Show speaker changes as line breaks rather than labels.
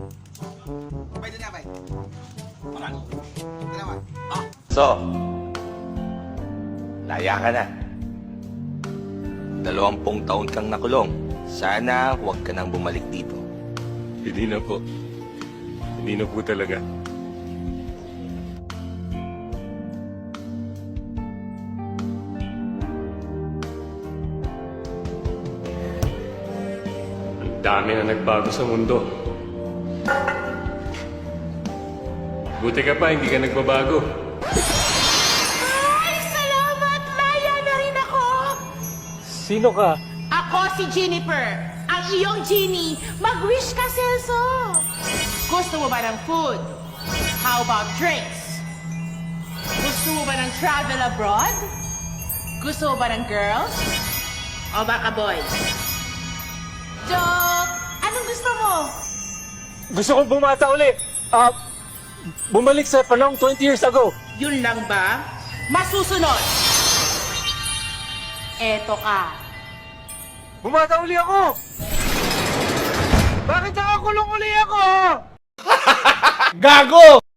Bay doon nga, bay. Marami. Dalawa.
So, laya ka na. 20 taon kang nakulong. Sana huwag ka nang bumalik dito.
Hindi na po. Hindi na po talaga. Ang dami na nagbago sa mundo. Buti ka pa, hindi ka nagbabago.
Ay, salamat! Laya na rin ako!
Sino ka?
Ako si Jennifer, ang iyong genie. Mag-wish ka, Celso! Gusto mo ba ng food? How about drinks? Gusto mo ba ng travel abroad? Gusto mo ba ng girls? O baka boys? Joke! Anong gusto mo?
Gusto kong bumata uli. Bumalik sa panahong 20 years ago.
Yun lang ba? Masusunod! Eto ka.
Bumata uli ako! Bakit nakakulong uli ako?
Gago!